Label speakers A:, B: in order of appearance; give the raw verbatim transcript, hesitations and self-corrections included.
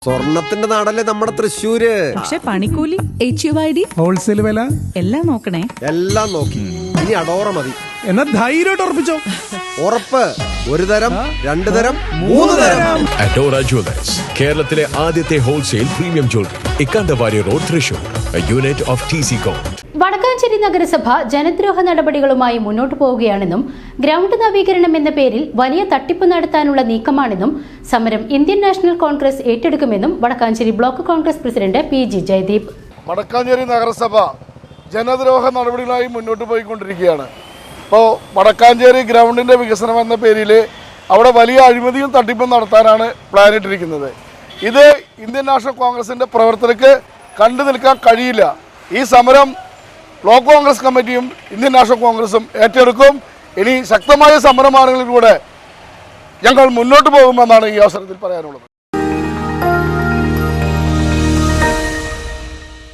A: സ്വർണത്തിന്റെ നാടല്ലേ നമ്മുടെ തൃശ്ശൂര്.
B: പക്ഷെ പണിക്കൂലി, H U I D,
C: wholesale വില
B: എല്ലാം നോക്കണേ.
A: എല്ലാം നോക്കി. ഇനി അടോറ മതി.
C: എന്നാ ധൈര്യമായിട്ട് ഉറപ്പിച്ചോ.
A: ഉറപ്പ്. ഒരു തരം, രണ്ടു തരം, മൂന്ന് തരം.
D: അഡോറ ജുവലേഴ്സ്, കേരളത്തിലെ ആദ്യത്തെ wholesale premium jewellery, Ikkandavari road, Thrissur, unit of T C com.
E: Vadakkanchery നഗരസഭ ജനദ്രോഹ നടപടികളുമായി മുന്നോട്ടു പോവുകയാണെന്നും ഗ്രൗണ്ട് നവീകരണം എന്ന പേരിൽ വലിയ തട്ടിപ്പ് നടത്താനുള്ള നീക്കമാണെന്നും സമരം ഇന്ത്യൻ നാഷണൽ കോൺഗ്രസ് ഏറ്റെടുക്കുമെന്നും Vadakkanchery block Congress president P G Jayadeep.
F: Vadakkanchery നഗരസഭ ജനദ്രോഹ നടപടികളായി മുന്നോട്ട് പോയിക്കൊണ്ടിരിക്കുകയാണ്. ഇപ്പോൾ വടക്കാഞ്ചേരി ഗ്രൗണ്ടിൻ്റെ വികസനം എന്ന പേരിൽ അവിടെ വലിയ അഴിമതിയും തട്ടിപ്പും നടത്താനാണ് പ്ലാനിട്ടിരിക്കുന്നത്. ഇത് ഇന്ത്യൻ നാഷണൽ കോൺഗ്രസിൻ്റെ പ്രവർത്തകർക്ക് കണ്ടു നിൽക്കാൻ കഴിയില്ല. ഈ സമരം ബ്ലോക്ക് കോൺഗ്രസ് കമ്മിറ്റിയും ഇന്ത്യൻ നാഷണൽ കോൺഗ്രസും ഏറ്റെടുക്കും. ഇനി ശക്തമായ സമരമാർഗങ്ങളിലൂടെ ഞങ്ങൾ മുന്നോട്ട് പോകുമെന്നാണ് ഈ അവസരത്തിൽ പറയാനുള്ളത്.